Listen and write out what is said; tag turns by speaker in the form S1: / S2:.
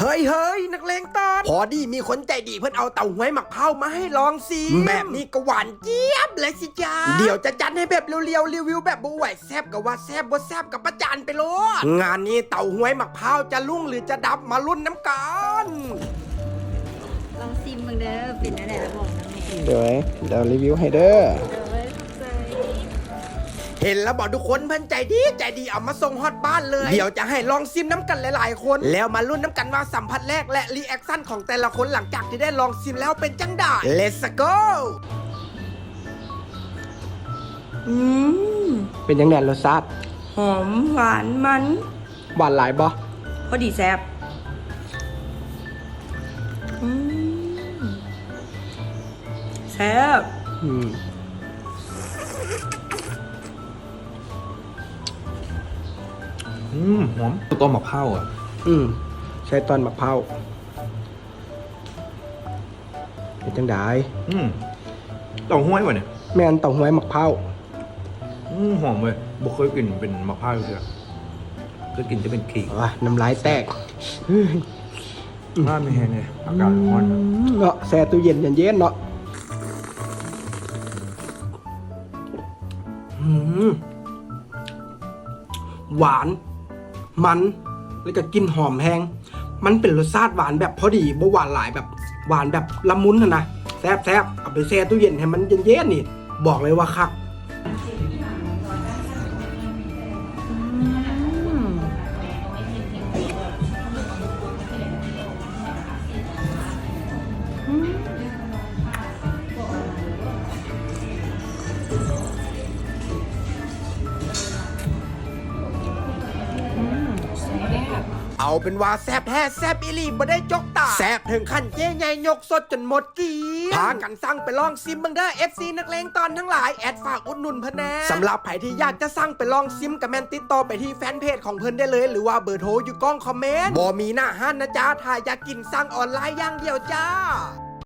S1: ฮ้ยนักเลงตอนพอดีมีคนใจดีเพื่อนเอาเต่าหวยหมักเผามาให้ลองสิแบบนี้ก็หวานเจี๊ยบเลยสิจ้าเดี๋ยวจะจัดให้แบบเรียวๆรีวิวแบบบ่ไหวแซบกับว่าแซบบ่แซบกับประจานไปโลดงานนี้เต่าหวยหมักเผาจะลุ่งหรือจะดับมาลุ้นน้ำกัน
S2: ลองซิมมึงเด้อเป็นอะไรระบอกนะแม่
S3: เดี๋ยวรีวิวให้เด้อ
S1: เห็นแล้วบอกทุกคนเพื่อนใจดีเอามาส่งฮอตบ้านเลยเดี๋ยวจะให้ลองซิมน้ำกันหลายๆคนแล้วมาลุ้นน้ำกันว่าสัมผัสแรกและรีแอคชั่นของแต่ละคนหลังจากที่ได้ลองซิมแล้วเป็นจังได้ Let's go
S3: เป็นยังไงรสชาติ
S2: หอมหวานมัน
S3: หวานหลายบ่
S2: พอดีแซ่บแซ่บ
S4: หอมต้มมะพร้าวอ่ะ
S3: ใช้ตอนมะพร้าวเป็นจังได้
S4: เต่าห้วยวะเนี่ย
S3: แม่นเต่าห้วยมะพร้าว
S4: หอมเลยบ่เคยกินเป็นมะพร้าวเลยก็กินจะเป็นขิง
S3: น้ำลายแตก
S4: น่าไม่แห้งเลยอากาศร้อน
S3: เนาะแช่ตู้เย็นเย็นๆเนาะหวานมันแล้วก็กลิ่นหอมแห้งมันเป็นรสชาติหวานแบบพอดีบ่หวานหลายแบบหวานแบบละมุนนะแซ่บเอาไปแช่ตู้เย็นให้มันเย็นๆนี่บอกเลยว่าคัก
S1: เอาเป็นว่าแซบแท้แซบอีลีบ่ได้จกตาแซบถึงขั้นเจ๊ใหญ่ยกสดจนหมดกีพากันสั่งไปลองซิมบังเด้อ FC นักเลงตอนทั้งหลายแอดฝากอุดหนุนเพิ่นแน่สำหรับใครที่อยากจะสั่งไปลองซิมกับแมนติดต่อไปที่แฟนเพจของเพิ่นได้เลยหรือว่าเบอร์โทรอยู่กล้องคอมเมนต์บ่มีหน้าห้านนะจ๊ะถ้าอยากกินสั่งออนไลน์อย่างเดียวจ้า